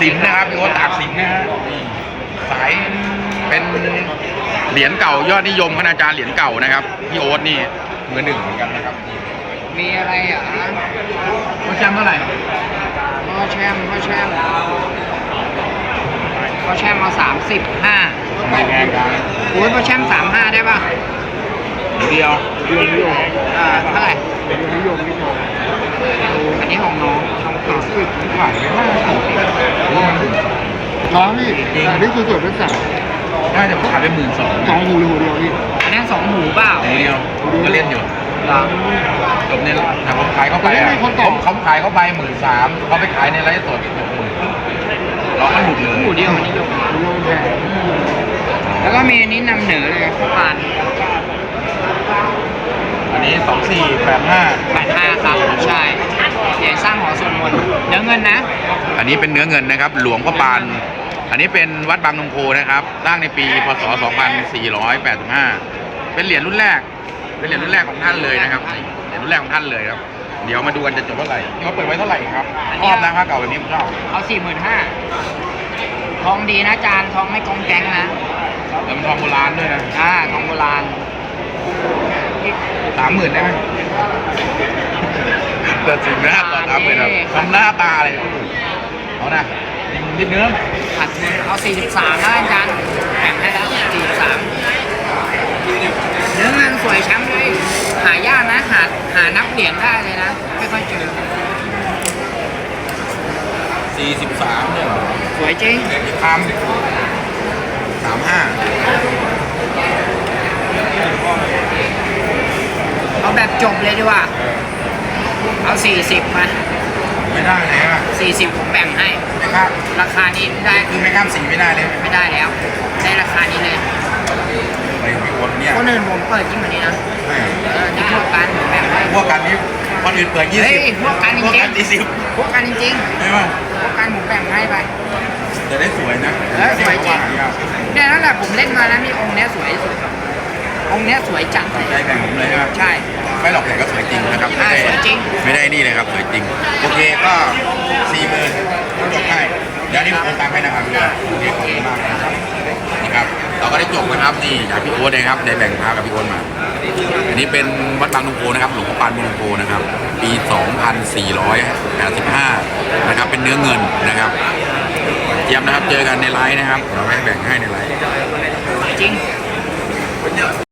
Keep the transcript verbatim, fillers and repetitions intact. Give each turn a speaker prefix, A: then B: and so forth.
A: สินนะครับพี่โอ๊ตตากสินนะฮะสายเป็นเหรียญเก่ายอดนิยมคณาจารย์เหรียญเก่านะครับพี่โอ๊ตนี่มือหนึ่งเหมือนกันนะครับ
B: มีอะไรอ่ะ
A: พ่อแชมป์เท่าไหร่
B: พ่อแชมป์พ่อแชมป์พ่อแชมป์เอาสามสิบห้า
A: ไม่แพงกัน
B: โอ้ยพ่อแชมป์สามห้าได้ป่ะ
A: เดียว
B: เดียวนิยมอ่าเท่าไหร่เดียวนิยมนิยมอันนี้ของน้องช่องต่อสิบ
A: ขายไม่ได้
C: น้องพี่แต่นี่คือส่วนเป็นสั่ง
A: น่าจะขายไปหมื่นสอง
C: สองหูหรือหูเดียวพี่
B: อันนี้สองหูเปล่า
A: หูเดียวก็เล่นอยู่จบเนี่ยแต่ผมขายเขาไปเขาเขาขายเขาไปหมื่นสามเขาไปขายในไลฟ์สดหกหมื่นเราก็หลุดเลย
B: หูเดียวอันนี้ยกแล้วก็มีอันนี้นำเหนือเลยข้าวปาน
A: อันนี้สองสี่แปดห้า
B: แปดห้าครับใช่เหรียญสร้างหอสวดมนต์เนื้อเงินนะ
A: อันนี้เป็นเนื้อเงินนะครับหลวงพ่อปานอันนี้เป็นวัดบางนงโพนะครับสร้างในปีพศสองพันสี่ร้อยแปดสิบห้าเป็นเหรียญรุ่นแรกเป็นเหรียญรุ่นแรกของท่านเลยนะครับเหรียญรุ่นแรกของท่านเลยครับเดี๋ยวมาดูกันจะจบเท่าไหร่ที่เขาเปิดไว้เท่าไหร่ครับชอบนะค่าเก่าแบบนี้ผมชอบ
B: เอาสี่หมื่นห้าทองดีนะจานทองไม่กองแกงนะ
A: แล้วมันทองโบราณด้วยนะ
B: อ่าทองโบราณ
A: สามหมื่นได้ไหมเกิดสิ่งนะต่อสามหมื่นครับทำหน้าตาเลยเอานะนิดเนื้อ
B: ขัดเงินเอาสี่สิบสามแล้วอาจารย์แบ่งให้แล้วสี่สิบสามเนื้อเงินสวยช้ำเลยหายากนะหาหานับเหรียญได้เลยนะไม่ค่อยเจอ
A: สี่สิบสามเนี่ย
B: สวยจริง
A: ทำสามห้า
B: เอาแบบจบเลยดีกว่าเอาสี่สิบมา
A: ไม่ได้เลยอ่ะ
B: สี่สิบผมแบ่งให้
A: ไม่ครับ
B: ราคานี้ได้
A: คือไม่ข้ามสี่ไม่ได้เลย
B: ไม่ได้แล้วได้ราคานี้เลย
A: ไปคนเนี้ย
B: คนอื่นผมเปิดยิ่งกว่านี้นะเออที่พวกกันผมแบ่งให้
A: พวกกันนี้คนอื่นเปิดยี่สิบ
B: พวกกันจริง
A: พวกกันยี่สิบ
B: พวกกันจริง
A: ใช่ไหม
B: พวกกันผมแบ่งให้ไป
A: จะได้สวยนะ
B: เออสวยจริงเนี่ยนั่นแหละผมเล่นมาแล้วมีองค์เนี้ยสวยสุดองค์เนี้ยสวยจัด
A: เลยได้แบ่งผมเลยครับ
B: ใช่
A: ไม่หลอกแต่ก็สวยจริงนะครับ
B: ไม่ได้สวยจริง
A: ไม่ได้นี่เลยครับสวยจริงโอเคก็สี่หมื่นจบให้เดี๋ยวนี้ผมตามให้นะครับโอเคขอบคุณมากนะครับนี่ครับเราก็ได้จบนะครับนี่จากพี่โอ๊ตนะครับได้แบ่งพากับพี่โอ๊ตมาอันนี้เป็นวัดบางนงโพนะครับหลวงพ่อปานบางนงโพนะครับปีสองพันสี่ร้อยแปดสิบห้านะครับเป็นเนื้อเงินนะครับเจียมนะครับเจอกันในไลน์นะครับเราให้แบ่งให้ในไลน์
B: จริง